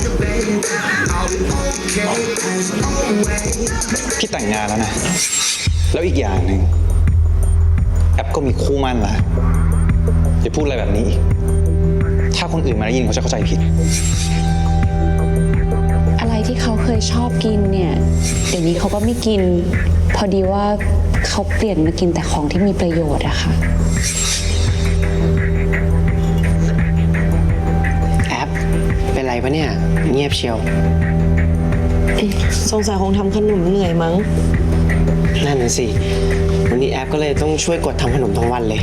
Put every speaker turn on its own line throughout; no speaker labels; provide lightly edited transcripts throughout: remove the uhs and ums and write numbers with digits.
พี่แต่งงานแล้วนะ แล้วอีกอย่างหนึ่งแอปก็มีคู่มั่นละอย่าพูดอะไรแบบนี้อีกถ้าคนอื่นมาได้ยินเขาจะเข้าใจผิด
อะไรที่เขาเคยชอบกินเนี่ยเดี๋ยวนี้เขาก็ไม่กิน พอดีว่าเขาเปลี่ยนมากินแต่ของที่มีประโยชน์อะค่ะ
แอปเป็นไรปะเนี่ยเงียบเชียว
สงสัยคงทำขนมเหนื่อยมั้ง
นั่นน่ะสิวันนี้แอปก็เลยต้องช่วยกดทำขนมทั้งวันเลย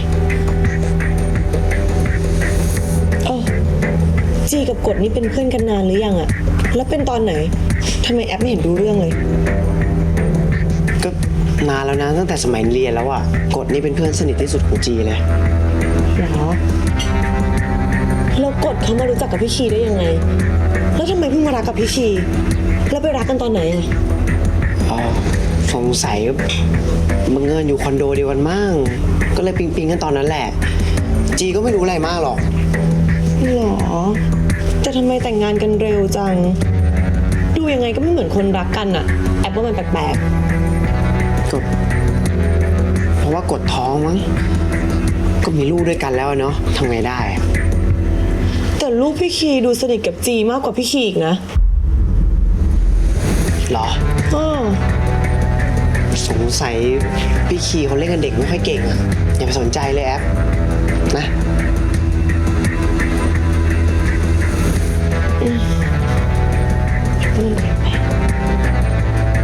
จีกับกดนี่เป็นเพื่อนกันนานหรือยังอะแล้วเป็นตอนไหนทำไมแอปไม่เห็นรู้เรื่องเลย
ก็นานแล้วนะตั้งแต่สมัยเรียนแล้วอะกดนี่เป็นเพื่อนสนิทที่สุดของจีเลย
หรอแล้วกดเขามารู้จักกับพี่คีได้ยังไง แล้วทำไมเพิ่งมารักกับพี่คีแล้วไปรักกันตอนไหนอะ
อ๋อสงสัยบังเอิญอยู่คอนโดเดียวกันมั่งก็เลยปิ๊งกันตอนนั้นแหละ จีก็ไม่รู้อะไรมากหรอก
หรอแต่ทำไมแต่งงานกันเร็วจัง ดูยังไงก็ไม่เหมือนคนรักกันอะแอปว่ามันแปลก
ก็เพราะว่ากดท้องมั้งก็มีลูกด้วยกันแล้วอะเนาะทำไงได้อะ
ๆแต่ลูกพี่คีดูสนิทกับจีมากกว่าพี่คีอีกนะ
หรอ
อ้อ
สงสัยพี่คีเขาเล่นกับเด็กไม่ค่อยเก่งอะอย่าไปสนใจเลยแอปนะ
มันแปลก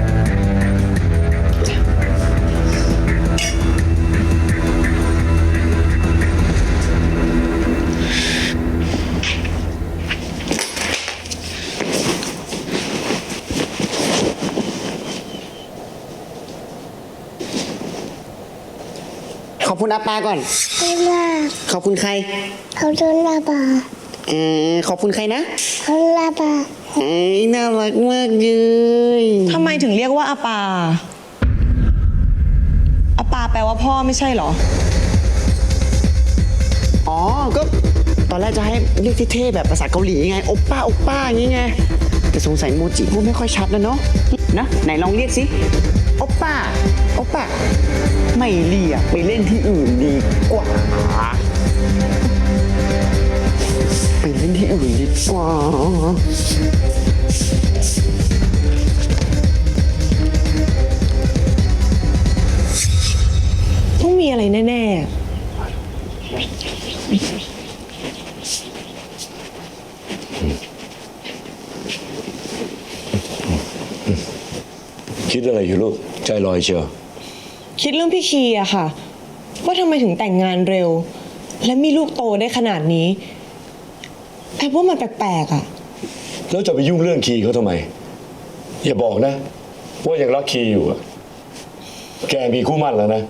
ขอบคุณอาปาก่อน
ไม่มาก
ขอบคุณใคร
เขาโดนลาบา
ขอบคุณใครนะ
เขาลาบา
น่ารักมากเลย
ทำไมถึงเรียกว่าอาปาอาปาแปลว่าพ่อไม่ใช่เหรอ
อ๋อ ก็ตอนแรกจะให้เรียกเท่ๆแบบภาษาเกาหลีไงโอปป้าโอปป้าอย่างงี้ไง แต่สงสัยโมจิพูดไม่ค่อยชัดนะเนาะนะไหนลองเรียกสิโอปป้าโอปป้าไม่เรียกไปเล่นที่อื่นดีกว่า ไปเล่นที่อื่นดีกว่า
ต้องมีอะไรแน่
คิดอะไรอยู่ลูกใจลอยเชียว
ๆ คิดเรื่องพี่คีอะค่ะ ว่าทำไมถึงแต่งงานเร็ว และมีลูกโตได้ขนาดนี้แอบว่ามันแปลกๆอะ
แล้วจะไปยุ่งเรื่องคีเขาทำไม อย่าบอกนะ ว่ายังรักคีอยู่อะแกมีคู่หมั่นแล้วนะ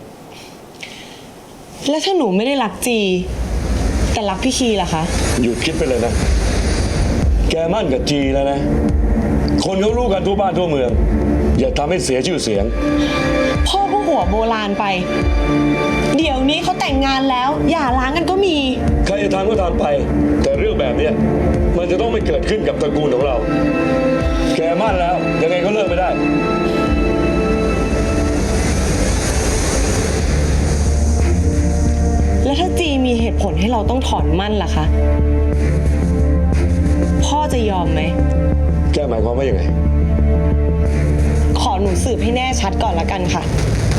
แล้วถ้าหนูไม่ได้รักจี แต่รักพี่คีล่ะคะ
หยุดคิดไปเลยนะ แกมั่นกับจีแล้วนะ คนเขารู้กันทั่วบ้านทั่วเมือง อย่าทำให้เสียชื่อเสียง
พ่อก็หัวโบราณไป เดี๋ยวนี้เขาแต่งงานแล้วอย่าร้างกันก็มี
ใครจะทำก็ทำไป แต่เรื่องแบบเนี้ยมันจะต้องไม่เกิดขึ้นกับตระกูลของเรา แกมั่นแล้ว ยังไงก็เลิกไม่ได้
แล้วถ้าจีมีเหตุผลให้เราต้องถอนมั่นล่ะคะ พ่อจะยอมไหม
แกหมายความว่ายังไง
ขอหนูสืบให้แน่ชัดก่อนละกันค่ะ